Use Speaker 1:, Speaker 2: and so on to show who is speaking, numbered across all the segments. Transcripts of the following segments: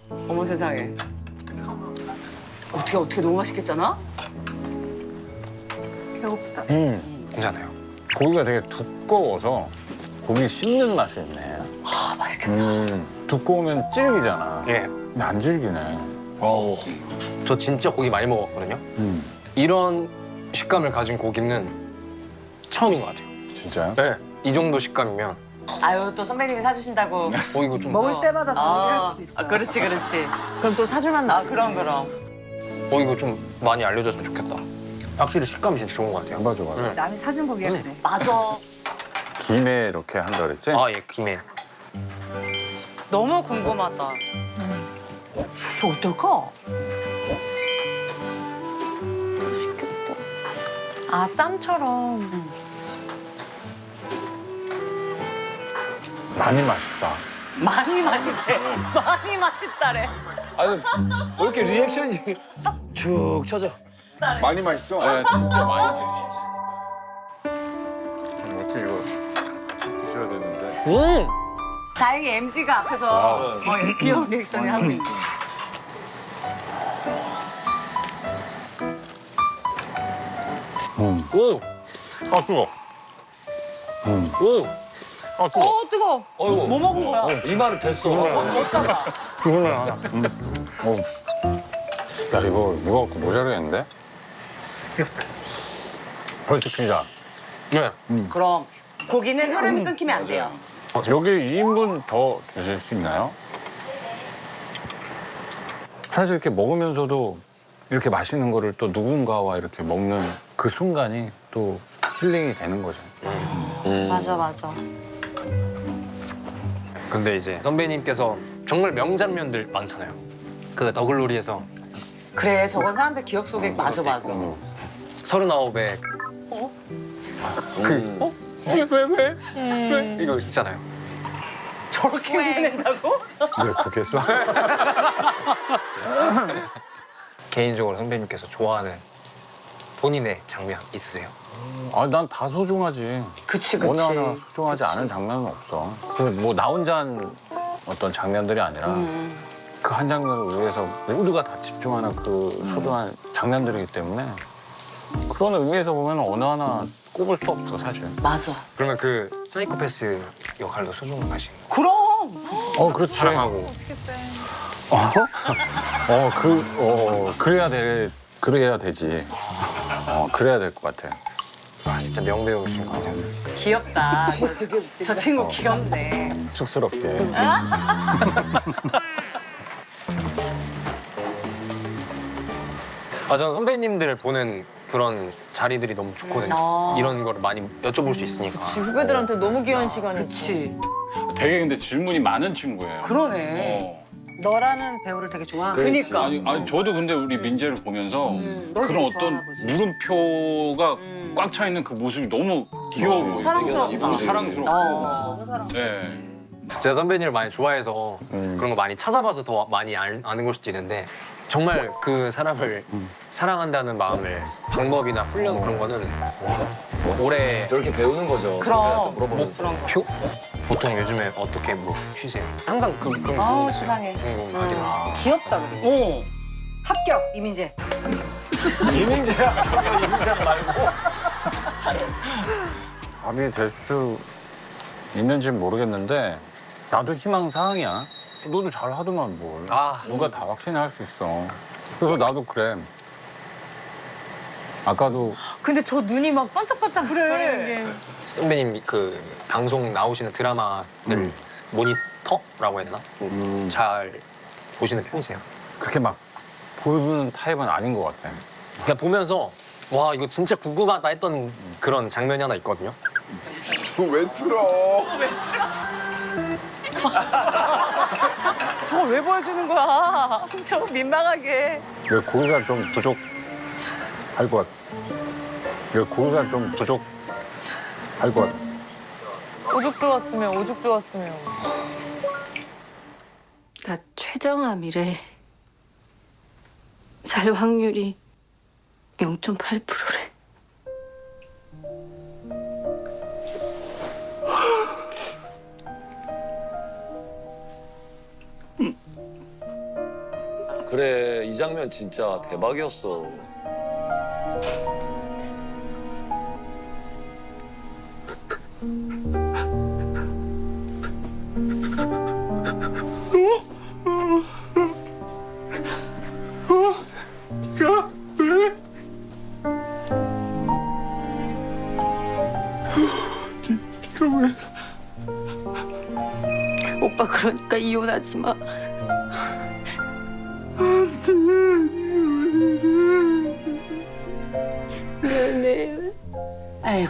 Speaker 1: 어머 세상에. 어떻게 너무 맛있겠잖아?
Speaker 2: 배고프다.
Speaker 3: 괜찮아요. 고기가 되게 두꺼워서 고기 씹는 맛이 있네.
Speaker 1: 아 맛있겠다.
Speaker 3: 두꺼우면 질기잖아.
Speaker 4: 예.
Speaker 3: 근데 안 질기네.
Speaker 4: 어우. 저 진짜 고기 많이 먹었거든요. 이런 식감을 가진 고기는 처음인 것 같아요.
Speaker 3: 진짜요?
Speaker 4: 네. 이 정도 식감이면
Speaker 1: 아유 또 선배님이 사주신다고.
Speaker 4: 이거 좀
Speaker 2: 먹을 때마다 저녁을 할 수도 있어.
Speaker 1: 아 그렇지 그렇지. 그럼 또 사줄만 나. 아 그럼.
Speaker 4: 이거 좀 많이 알려줬으면 좋겠다. 확실히 식감이 진짜 좋은 것 같아요.
Speaker 3: 맞아, 맞아.
Speaker 4: 네.
Speaker 2: 남이 사준 고기야 그래.
Speaker 1: 맞아.
Speaker 3: 김에 이렇게 한다 그랬지?
Speaker 4: 예, 김에.
Speaker 1: 너무 궁금하다. 이거 어떨까? 맛있겠다. 아 쌈처럼.
Speaker 3: 많이 맛있다.
Speaker 1: 많이 맛있대. 많이 맛있다래.
Speaker 4: 아니, 왜 이렇게 리액션이 쭉 쳐져?
Speaker 5: 많이 맛있어?
Speaker 3: 네, 진짜 많이 어떻게 이거 드셔야 되는데.
Speaker 1: 다행히 MG가 앞에서 귀여운 리액션을 하고 있어.
Speaker 3: 아, 뜨거. 아, 뜨거.
Speaker 1: 뜨거.
Speaker 4: 어이구.
Speaker 1: 뭐 먹은 거야?
Speaker 4: 이 말은 됐어.
Speaker 1: 먹다가.
Speaker 3: 그거는 하나. 야, 이거 갖고 모자라겠는데? 벌칙 피자.
Speaker 4: 네.
Speaker 1: 그럼 고기는 흐름이 끊기면 안 돼요.
Speaker 3: 여기 2인분 더 주실 수 있나요? 사실 이렇게 먹으면서도 이렇게 맛있는 거를 또 누군가와 이렇게 먹는 그 순간이 또 힐링이 되는 거죠.
Speaker 1: 맞아.
Speaker 4: 근데 이제 선배님께서 정말 명장면들 많잖아요. 그 더글로리에서
Speaker 1: 그래 저건 사람들 기억 속에 맞아.
Speaker 4: 39에 왜? 이거 있잖아요.
Speaker 1: 저렇게 흉내낸다고?
Speaker 3: 왜 그렇게 했어?
Speaker 4: 개인적으로 선배님께서 좋아하는 본인의 장면 있으세요?
Speaker 3: 아, 난 다 소중하지.
Speaker 1: 그치.
Speaker 3: 어느 하나 소중하지 않은 장면은 없어. 뭐 나 혼자 한 어떤 장면들이 아니라 그 한 장면을 위해서 모두가 다 집중하는 그 소중한 장면들이기 때문에 그런 의미에서 보면 어느 하나 꼽을 수 없어, 사실.
Speaker 1: 맞아.
Speaker 4: 그러면 그 사이코패스 역할도 소중하신 거
Speaker 1: 그럼.
Speaker 3: 그렇지.
Speaker 4: 사랑하고
Speaker 3: 그래야 되지. 그래야 될 것 같아.
Speaker 4: 진짜 명배우신 것 같아요.
Speaker 1: 귀엽다. 저 친구 귀엽네.
Speaker 3: 쑥스럽게.
Speaker 4: 저는 선배님들 보는 그런 자리들이 너무 좋거든요. 이런 거를 많이 여쭤볼 수 있으니까.
Speaker 6: 후배들한테 너무 귀한 시간이지.
Speaker 1: 그치.
Speaker 3: 되게 근데 질문이 많은 친구예요.
Speaker 1: 그러네.
Speaker 2: 너라는 배우를 되게 좋아하고.
Speaker 1: 그니까.
Speaker 3: 아니 저도 근데 우리 민재를 보면서
Speaker 2: 널
Speaker 3: 그런
Speaker 2: 되게
Speaker 3: 어떤
Speaker 2: 좋아하나 보지.
Speaker 3: 물음표가 꽉 차 있는 그 모습이 너무 귀여워 보여요.
Speaker 1: 사랑스럽다.
Speaker 3: 너무 사랑스럽고.
Speaker 2: 너무 사랑.
Speaker 3: 네.
Speaker 4: 제가 선배님을 많이 좋아해서 그런 거 많이 찾아봐서 더 많이 아는 걸 수도 있는데 정말 그 사람을 사랑한다는 마음을 방법이나 훈련 그런 거는 오래
Speaker 7: 저렇게 배우는 거죠.
Speaker 1: 그럼.
Speaker 7: 물어보면서.
Speaker 4: 보통 요즘에 어떻게 뭐 쉬세요? 항상 그런
Speaker 1: 아우
Speaker 4: 거
Speaker 1: 세상에.
Speaker 4: 궁금하긴 해요.
Speaker 2: 귀엽다 그래. 합격 이민재.
Speaker 3: 답이 될 수 있는지는 모르겠는데 나도 희망사항이야. 너도 잘하더만 뭘. 누가 다 확신할 수 있어. 그래서 나도 그래. 아까도
Speaker 6: 근데 저 눈이 막 반짝반짝 거리는 게.
Speaker 4: 선배님 그 방송 나오시는 드라마들 모니터라고 해야 되나? 잘 보시는 편이세요?
Speaker 3: 그렇게 막 보는 타입은 아닌 것 같아.
Speaker 4: 그냥 보면서 와 이거 진짜 궁금하다 했던 그런 장면이 하나 있거든요.
Speaker 5: 왜 틀어?
Speaker 1: 저걸 왜 보여주는 거야? 저 민망하게.
Speaker 3: 왜 고기가 좀 부족할 것 같아. 왜 고기가 좀 부족할 것 같아.
Speaker 6: 오죽 좋았으면.
Speaker 8: 나 최정암이래. 살 확률이 0.8%래.
Speaker 7: 그래 이 장면 진짜 대박이었어.
Speaker 8: 오빠 그러니까 이혼하지 마. 미안해.
Speaker 2: 아이고.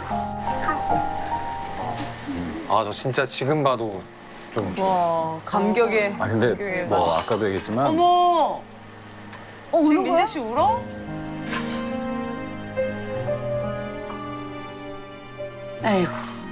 Speaker 4: 아 저 진짜 지금 봐도 좀
Speaker 6: 와 감격에.
Speaker 3: 아 근데 뭐 아까도 얘기했지만
Speaker 1: 어머.
Speaker 2: 우는
Speaker 1: 지금
Speaker 2: 거야?
Speaker 1: 민재 씨 울어?
Speaker 2: 아이고.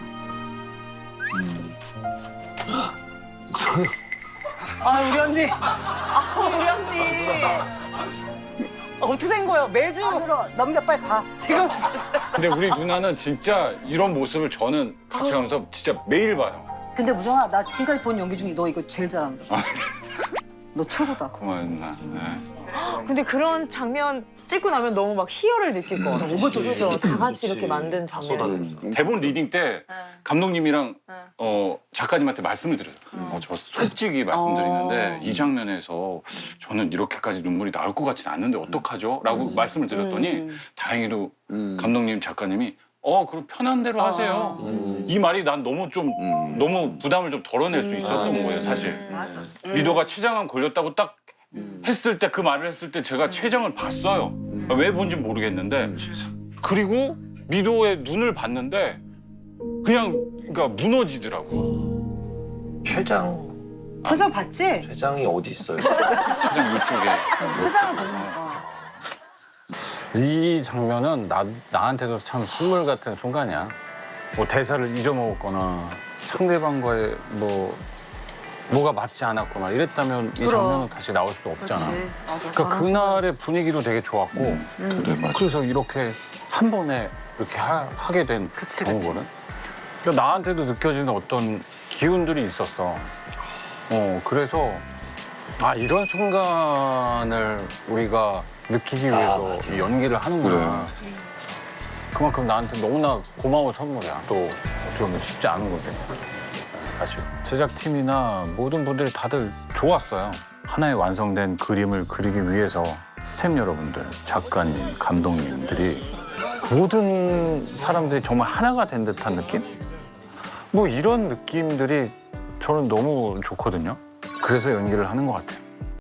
Speaker 1: 아 우리 언니. 아 우리 언니. 어떻게 된 거예요? 매주
Speaker 2: 안으로 넘겨 빨리 가.
Speaker 1: 지금
Speaker 3: 근데 우리 누나는 진짜 이런 모습을 저는 같이 가면서 진짜 매일 봐요.
Speaker 2: 근데 무정아 나 지금까지 본 연기 중에 너 이거 제일 잘한다. 너 최고다.
Speaker 3: 고마워요 누나. 네.
Speaker 6: 근데 그런 장면 찍고 나면 너무 막 희열을 느낄 것 같아. 그죠? 다 같이 이렇게 만든 장면.
Speaker 3: 대본 리딩 때 감독님이랑 작가님한테 말씀을 드려요. 저 솔직히 말씀드리는데 이 장면에서 저는 이렇게까지 눈물이 나올 것 같지는 않는데 어떡하죠? 라고 말씀을 드렸더니 다행히도 감독님, 작가님이 그럼 편한 대로 하세요. 이 말이 난 너무 너무 부담을 좀 덜어낼 수 있었던 거예요, 사실.
Speaker 1: 맞아.
Speaker 3: 미도가 췌장암 걸렸다고 딱 했을 때 그 말을 했을 때 제가 췌장을 봤어요. 왜 본지 모르겠는데 그리고 미도의 눈을 봤는데 그냥 그러니까 무너지더라고.
Speaker 7: 췌장
Speaker 2: 최장 봤지?
Speaker 7: 췌장이 어디 있어요?
Speaker 3: 췌장 이쪽에.
Speaker 2: 최장을 보는 거.
Speaker 3: 이 장면은 나한테도 참 선물 같은 순간이야. 뭐 대사를 잊어먹었거나 상대방과의 뭐가 맞지 않았거나 이랬다면 이 장면은 다시 나올 수 없잖아. 그러니까 그날의 분위기도 되게 좋았고 그래서 이렇게 한 번에 이렇게 하게 된 경우거든. 그러니까 나한테도 느껴지는 어떤 기운들이 있었어. 그래서 이런 순간을 우리가 느끼기 위해서 이 연기를 하는구나. 그만큼 나한테 너무나 고마운 선물이야. 또 어떻게 보면 쉽지 않은 거지. 사실 제작팀이나 모든 분들이 다들 좋았어요. 하나의 완성된 그림을 그리기 위해서 스태프 여러분들, 작가님, 감독님들이 모든 사람들이 정말 하나가 된 듯한 느낌? 뭐 이런 느낌들이 저는 너무 좋거든요. 그래서 연기를 하는 것 같아요.